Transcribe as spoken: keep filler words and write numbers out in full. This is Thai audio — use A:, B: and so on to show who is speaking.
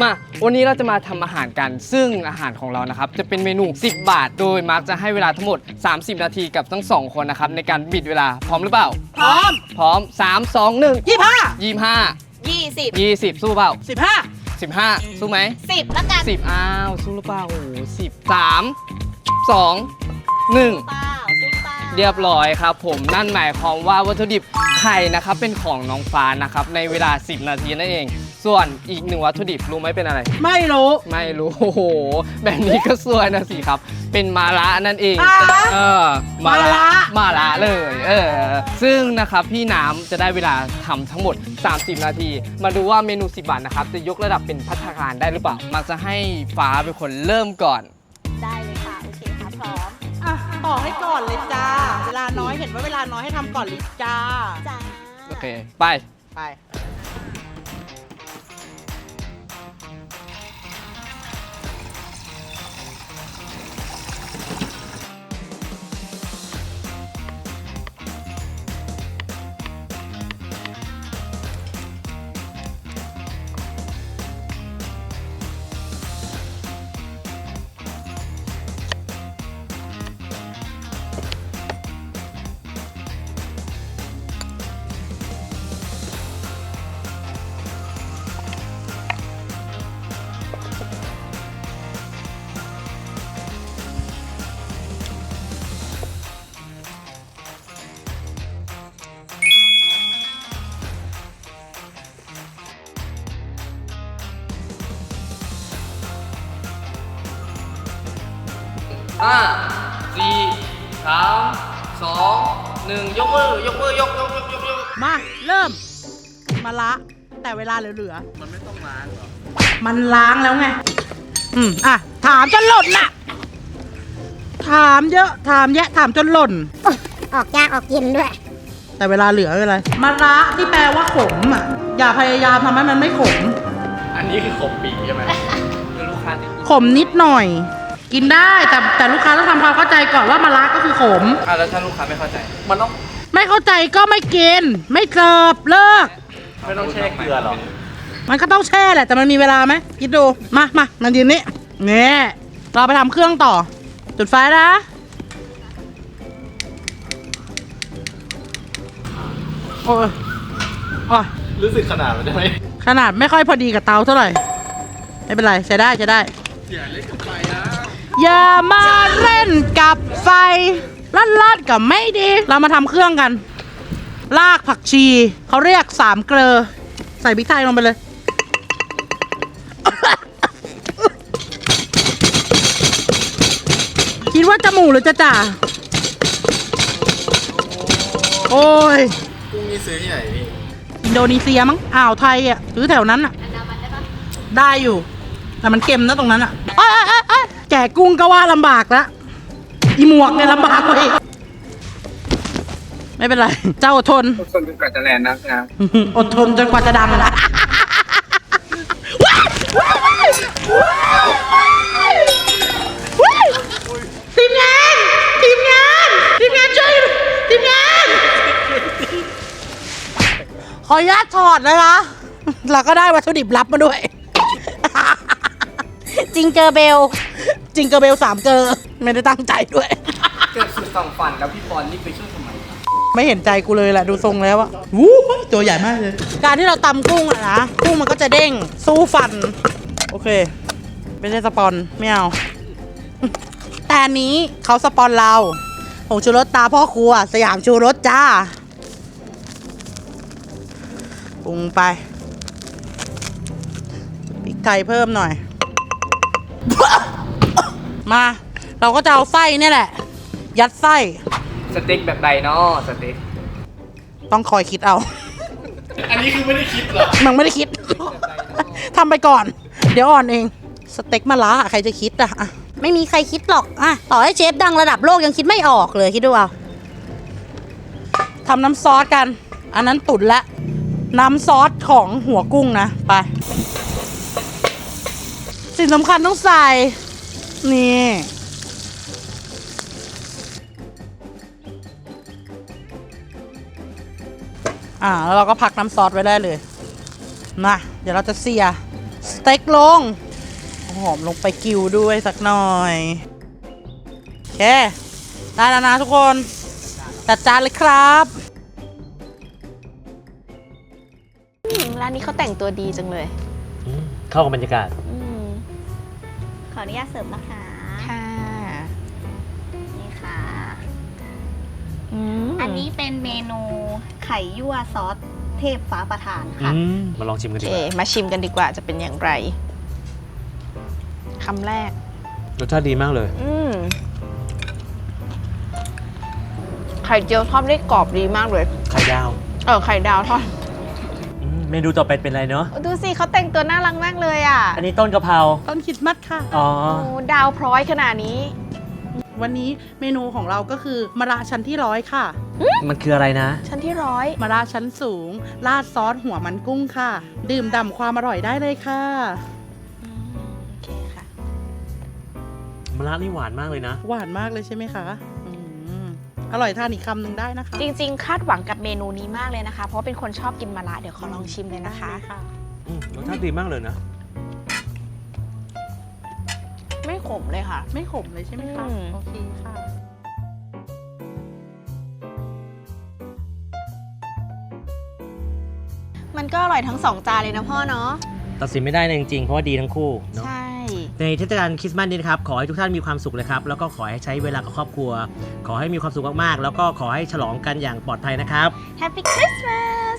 A: มาวันนี้เราจะมาทำอาหารกันซึ่งอาหารของเรานะครับจะเป็นเมนูสิบบาทโดยมาร์คจะให้เวลาทั้งหมดสามสิบนาทีกับทั้งสองคนนะครับในการบิดเวลาพร้อมหรือเปล่า
B: พร้อม
A: พร้อมสาม สอง หนึ่ง
B: ยี่สิบห้า
A: ยี่สิบห้า
C: ยี่สิบ
A: ยี่สิบสู้เปล่า
B: สิบห้า
A: สิบห้าสู้ไหม
C: สิบแล้วกัน
A: สิบอ้าวสู้หรือเปล่าโอ้โหสิบสามสองหนึ่ง
C: เปล่าสู้เปล่า
A: เรียบร้อยครับผมนั่นหมายความว่าวัตถุดิบไข่นะครับเป็นของน้องฟ้านะครับในเวลาสิบนาทีนั่นเองส่วนอีกหนึ่งวัตถุดิบรู้ไหมเป็นอะไร
B: ไม่รู้
A: ไม่รู้โอ้โหแบบนี้ก็สวยนะสิครับเป็นมาระนั่นเองเออมาระมาระเลยเออซึ่งนะครับพี่น้ำจะได้เวลาทำทั้งหมดสามสิบนาทีมาดูว่าเมนูสิบบาทนะครับจะยกระดับเป็นภัตตาคารได้หรือเปล่ามักจะให้ฟ้าเป็นคนเริ่มก่อน
C: ได้เลยค่ะโอเคค่ะพร้อม
B: อ่ะต่อให้ก่อนเลยจ้าเวลาน้อยเห็นว่าเวลาน้อยให้ทำก่อนเลยจ้า
C: จ้า
A: โอเคไป
B: ไป
A: ห้าสี่สามสองหนึ่งยกมือยกมือยกยกยกยกยก
B: มาเริ่มมาละแต่เวลาเหลือ
A: มันไม่ต้องล้างหรอ
B: มันล้างแล้วไงอืมอ่ะถามจนหล่นน่ะถามเยอะถามแยะถามจนหล่น
C: ออกยากออกเย็นด้วย
B: แต่เวลาเหลือไม่เป็นไรมะระที่แปลว่าขมอ่ะอย่าพยายามทำให้มันไม่ขม
A: อันนี้คือขมปีใช่ไหมลูกค้า
B: ขมนิดหน่อยกินได้แต่แต่ลูกค้าต้องทำความเข้าใจก่อนว่ามะระก็คือขม
A: อ่ะแล้วถ้าลูกค้าไม่เข้าใจมันต้อง
B: ไม่เข้าใจก็ไม่กินไม่เสิร์ฟเลิก
A: ไม่ต้องแช่เกลือหรอ
B: มันก็ต้องแช่แหละแต่มันมีเวลาไหมคิดดูมามามายืนนี่เนี่ยเราไปทำเครื่องต่อจุดไฟนะโอ้ยโอ้ย
A: รู้สึกขนาดมันได้ไหม
B: ขนาดไม่ค่อยพอดีกับเตาเท่าไหร่ไม่เป็นไรใช้ได้ใช้ได้
A: อย่าเล่นกับไฟนะ
B: อย่ามาเล่นกับไฟลัดลัดกับไม่ดีเรามาทำเครื่องกันรากผักชีเขาเรียกสามเกลือใส่พริกไทยลงไปเลยคิดว่าจะหมูหรือจะจ่าโอ้ย
A: กุ้งนี่ซื้อที่ไหนพี่
B: อินโดนีเซียมั้งอ่าวไทยอ่ะซื้อแถวนั้นอ่ะได้อยู่แต่มันเค็มนะตรงนั้นอ่ะแกะกุ้งก็ว่าลำบากแล้วอีหมวกเนี่ยลำบากเลยไม่เป็นไรเจ้าอดทน
A: อดทนจนกว่าจะแลนนะนะ
B: อดทนจนกว่าจะดังนะทีมงานทีมงานทีมงานช่วยทีมงานขออนุญาตถอดนะคะเราก็ได้วัตถุดิบลับมาด้วย
C: จิงเกอร์เบล
B: จิงเกอร์เบลสามเกอร์ไม่ได้ตั้งใจด้วย
A: เกิดสุดฝั่งฝันแล้วพี่ปอนรีบไปช่วยทำไม
B: ไม่เห็นใจกูเลยแหละดูทรงแล้วอะวู้ตัวใหญ่มากเลยการที่เราตำกุ้งอะนะกุ้งมันก็จะเด้งสู้ฟันโอเคไม่ใช่สปอนไม่เอาแต่อันนี้เขาสปอนเราผงชูรสตาพ่อครัวสยามชูรสจ้าปรุงไปพริกไทยเพิ่มหน่อยมาเราก็จะเอาไส้นี่แหละยัดไส้
A: สเต็กแบบใดเนาะสเต็ก
B: ต้องคอยคิดเอา
A: อันนี้คือไม่ได้คิดหรอ
B: มันไม่ได้คิดทำไปก่อนเดี๋ยวอ่อนเองสเต็กมะระใครจะคิดอะ
C: ไม่มีใครคิดหรอกอะต่อให้เชฟดังระดับโลกยังคิดไม่ออกเลยคิดดูเอา
B: ทำน้ำซอสกันอันนั้นตุ๋นละน้ำซอสของหัวกุ้งนะไปสิ่งสำคัญต้องใส่นี่ อ่าแล้วเราก็พักน้ำซอสไว้ได้เลยนะเดี๋ยวเราจะเสียเต็กลงเอาหอมลงไปกิวด้วยสักหน่อยโอเคได้แล้วนะทุกคนจัดจานเลยครับ
D: อืมร้านนี้เขาแต่งตัวดีจังเลย
E: อืมเข้ากับบรรยากาศ
D: อืม
C: ขออนุญาตเสิร์ฟนะคะ
D: ค่ะ
C: นี่ค่ะ
D: อืม
C: อันนี้เป็นเมนูไข่ยั่วซอสเทพฟ้าประทาน
E: อื
C: ค่ะ
E: มมาลองชิมกัน
D: โอ
E: ดี
D: เค
E: กว่า
D: มาชิมกันดีกว่าจะเป็นอย่างไรคำแรก
E: รสชาติดีมากเลย
D: อืมไข่เจียวทอดได้กรอบดีมากเลย
E: ไข่ดาว
D: เออไข่ดาวทอด
E: อืมเมนูต่อไปเป็นอะไรเนาะ
D: ดูสิเขาแต่งตัวน่ารักมากเลยอ่ะ
E: อันนี้ต้นกะเพรา
B: ต้นคริดมัดค่ะ
E: อ๋อ
D: โอ้ดาวพร้อยขนาดนี้
B: วันนี้เมนูของเราก็คือมะระชั้นที่ร้อยค่ะ
E: มันคืออะไรนะ
D: ชั้นที่ร้อย
B: มะระชั้นสูง ราดซอสหัวมันกุ้งค่ะ ดื่มด่ำความอร่อยได้เลยค่ะ
D: อืมโอเคค่ะ
E: มะระนี่หวานมากเลยนะ
B: หวานมากเลยใช่ไหมคะอืมอร่อยทานอีกคำหนึ่งได้นะคะ
D: จริงๆ คาดหวังกับเมนูนี้มากเลยนะคะ เพราะว่าเป็นคนชอบกินมะระเดี๋ยวขอลองชิมเลยนะคะ
B: ได้ค่ะ
E: อืมรสชาติดีมากเลยนะ
D: ไม่ขมเลยค่ะ
B: ไม่ขมเลยใช่ไหมคะ
D: อืม
B: โอเคค่ะ
D: มันก็อร่อยทั้งสองจานเลยนะพ่อเนาะ
E: ตัดสินไม่ได้เลยจริงๆ เพราะว่าดีทั้งคู่เนาะ
D: ใช่
E: ในเทศกาลคริสต์มาสนี้นะครับ ขอให้ทุกท่านมีความสุขเลยครับ แล้วก็ขอให้ใช้เวลากับครอบครัว ขอให้มีความสุขมากๆ แล้วก็ขอให้ฉลองกันอย่างปลอดภัยนะครับ
D: Happy Christmas